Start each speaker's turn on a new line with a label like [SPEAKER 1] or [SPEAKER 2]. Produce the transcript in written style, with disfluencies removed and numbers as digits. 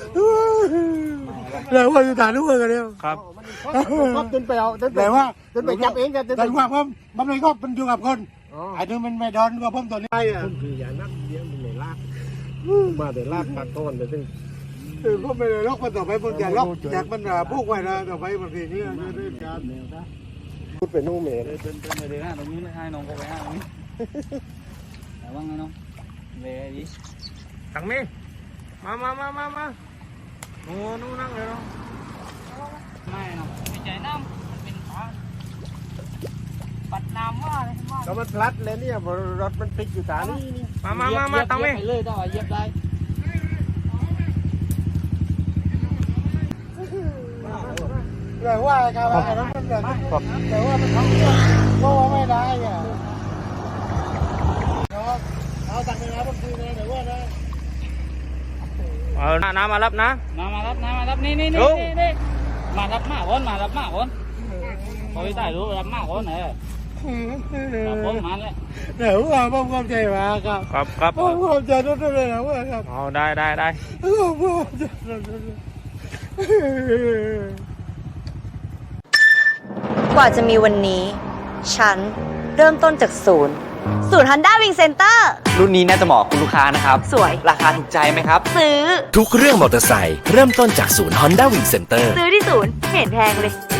[SPEAKER 1] เลยว่าอยู่ฐานนู้นกันเดียว
[SPEAKER 2] ครับ
[SPEAKER 3] ก็จนไปเอาจน
[SPEAKER 1] แต่ว่า
[SPEAKER 3] ไปจับเองกันจน
[SPEAKER 1] แต่ว่าผมมันไม่ก็มันอยู่กับคนไอ้ที่มันไม่ดอนกับผมตัวนี้ไอ้อะ
[SPEAKER 3] คืออย่านักเลี้ยงมันไม่ลากมาแต่ลากปากต้นเลยซึ่ง
[SPEAKER 1] คือก็ไม่ได้ล็อกมันต่อไปผมจะล็อกจากมันพวกไว้นะต่อไปบางทีนี่จะได้การ
[SPEAKER 3] พูดเป็นนู่เมย์
[SPEAKER 2] เดินไปเลยนะตรงนี้ให้น้องก็ไปให้ตรงนี้แต่ว่าไงน้องเลยดิตังนี้มาโอ้นู่นนั่งเลยน้องไม่น้องไม่ใจน้ำมันเป็นฟ้าปัดน้ำว่าเลยว่า
[SPEAKER 3] ก็มันพลัดเลยเนี่ยรถมันติดอยู่ตานี่
[SPEAKER 2] มาตังนี้เลยได้เย็บได้
[SPEAKER 1] เลยว่าการอะไรนั้นมันแบบแต่ว่ามันทำก็ว่าไม่ได้อ่ะเอาตังค์นะบางทีนะแต่ว่านะ
[SPEAKER 2] น้ำมารับนะมารับนี่มารับมากคนพอไปได้รู้รับมากคนเนี่ยรับคนมาเลย
[SPEAKER 1] เดี๋ยวว่าผมเข้าใจว่าครับผมเข้าใจทุกเรื่องนะว่าครับ
[SPEAKER 2] เอาได้
[SPEAKER 1] ผมเข้าใจ
[SPEAKER 4] กว่าจะมีวันนี้ ฉันเริ่มต้นจากศูนย์Honda Wing Center
[SPEAKER 5] รุ่นนี้น่าจะเหมาะกับคุณลูกค้านะครับ
[SPEAKER 4] สวย
[SPEAKER 5] ราคาถูกใจไหมครับ
[SPEAKER 4] ซื้อ
[SPEAKER 6] ทุกเรื่องมอเตอร์ไซค์เริ่มต้นจากศูนย์ Honda Wing Center
[SPEAKER 4] ซื้อที่ศูนย์ไม่เห็นแพงเลย